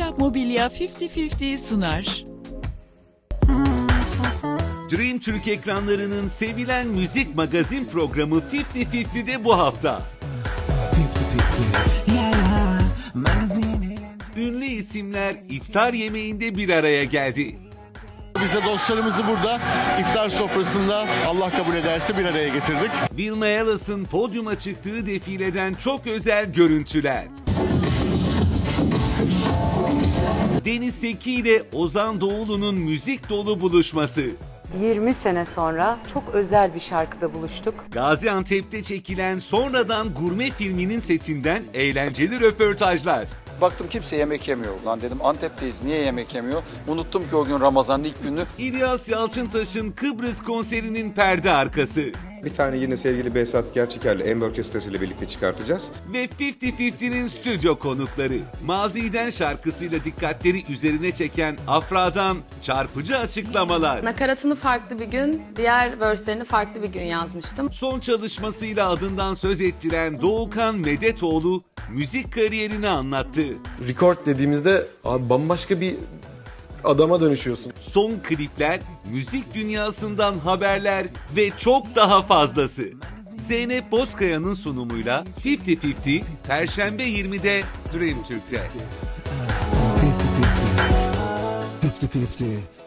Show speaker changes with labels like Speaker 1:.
Speaker 1: Mobilya Mobilya 50-50 sunar.
Speaker 2: Dream Türk ekranlarının sevilen müzik magazin programı 50-50'de bu hafta. Ünlü isimler iftar yemeğinde bir araya geldi.
Speaker 3: Bize dostlarımızı burada iftar sofrasında Allah kabul ederse bir araya getirdik.
Speaker 2: Wilma Ellis'ın podyuma çıktığı defileden çok özel görüntüler. Deniz Seki ile Ozan Doğulu'nun müzik dolu buluşması.
Speaker 4: 20 sene sonra çok özel bir şarkıda buluştuk.
Speaker 2: Gaziantep'te çekilen Sonradan Gurme filminin setinden eğlenceli röportajlar.
Speaker 5: Baktım kimse yemek yemiyor. Lan dedim Antep'teyiz, niye yemek yemiyor? Unuttum ki o gün Ramazan'ın ilk günü.
Speaker 2: İlyas Yalçıntaş'ın Kıbrıs konserinin perde arkası.
Speaker 6: Bir tane yine sevgili Behzat Gerçeker'le Ember Orkestrası ile birlikte çıkartacağız.
Speaker 2: Ve 50-50'nin stüdyo konukları. Maziden şarkısıyla dikkatleri üzerine çeken Afra'dan çarpıcı açıklamalar.
Speaker 7: Nakaratını farklı bir gün, diğer verslerini farklı bir gün yazmıştım.
Speaker 2: Son çalışmasıyla adından söz ettiren Doğukan Medetoğlu müzik kariyerini anlattı.
Speaker 8: Record dediğimizde abi bambaşka bir adama dönüşüyorsun.
Speaker 2: Son klipler, müzik dünyasından haberler ve çok daha fazlası. Zeynep Bozkaya'nın sunumuyla 50-50 Perşembe 20'de Dream Türk'te.
Speaker 9: 50-50.